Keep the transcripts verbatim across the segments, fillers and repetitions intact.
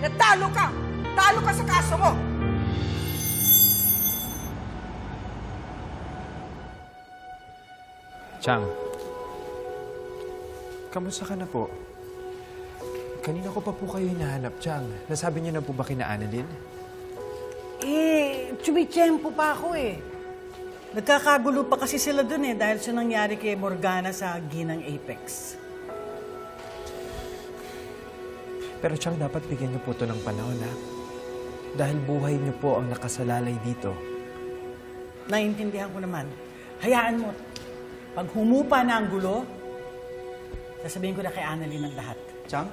na talo ka. Talo ka sa kaso mo. Chang, kamusta ka na po? Kanina ko pa po kayo hinahanap, Chang. Nasabi niyo na po ba kina Annalyn? Eh, tsumitsyempo pa ako eh. Nagkakagulo pa kasi sila dun eh dahil sa nangyari kay Morgana sa Ginang Apex. Pero Chang, dapat bigyan niyo po ito ng panahon, ha? Dahil buhay niyo po ang nakasalalay dito. Naiintindihan ko naman. Hayaan mo. Pag humupa na ang gulo, sasabihin ko na kay Annalyn ang lahat. Chang?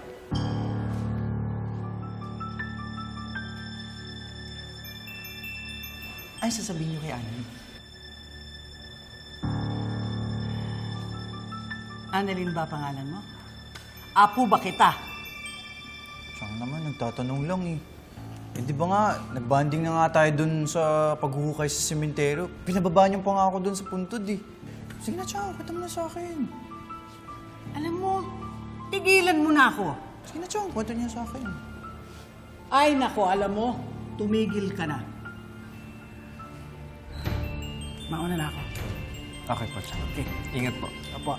Ay, sasabihin niyo kay Annalyn. Annalyn ba pangalan mo? Apo ba kita? Chang naman, nagtatanong lang eh. Eh di ba nga, nagbanding na nga tayo dun sa paghuhukay sa sementeryo. Pinababa niyo pa nga ako dun sa puntod eh. Sige na, Chang, kwenta mo na sa akin. Alam mo, tigilan mo na ako. Sige na, Chang, kwenta niyo sa akin. Ay nako, alam mo, tumigil ka na. Mauna na ako. Okay po, Chang. Okay. Ingat po. Apo.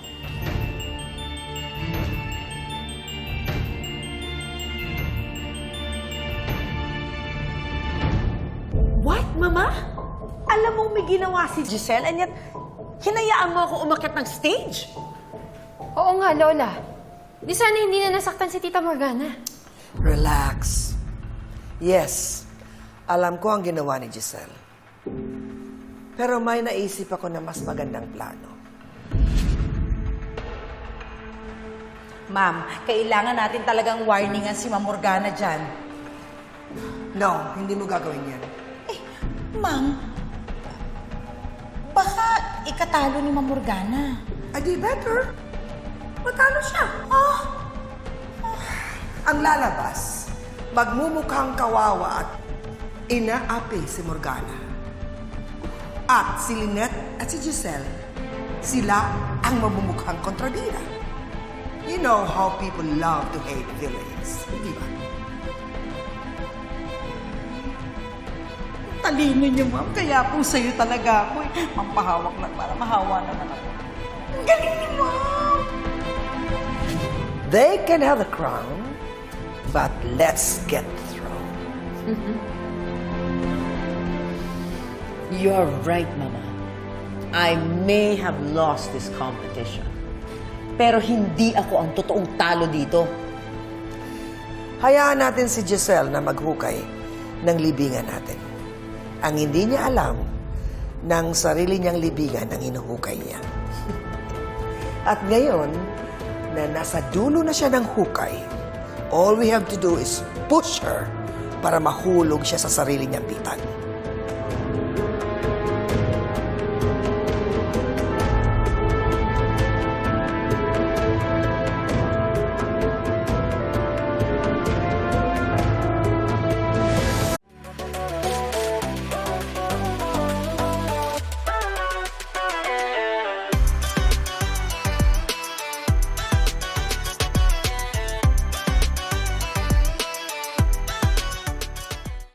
What, Mama? Alam mong may ginawa si Giselle and yet hinayaan mo ako umakyat ng stage? Oo nga, Lola. Di sana hindi na nasaktan si Tita Morgana. Relax. Yes, alam ko ang ginawa ni Giselle. Pero may naisip ako na mas magandang plano. Ma'am, kailangan natin talagang warningan si Ma'am Morgana dyan. No, hindi mo gagawin yan. Eh, Ma'am, baka ikatalo ni Ma'am Morgana. Ay, di better. Matalo siya. Oh, Ang lalabas, magmumukhang kawawa at inaapi si Morgana. At si Lynette at si Giselle, sila ang mamumukhang kontrabida. You know how people love to hate villains, di ba? talino niyo, Ma'am. Kaya po sa'yo talaga ako eh. Mampahawak lang para mahawa naman ako. Ang galing ni Ma'am! They can have the crown, but let's get the throne. You're right, Mama. I may have lost this competition. Pero hindi ako ang totoong talo dito. Hayaan natin si Giselle na maghukay ng libingan natin. Ang hindi niya alam, ng sarili niyang libingan ang hinuhukay niya. At ngayon, na nasa dulo na siya ng hukay, all we have to do is push her para mahulog siya sa sarili niyang pitan.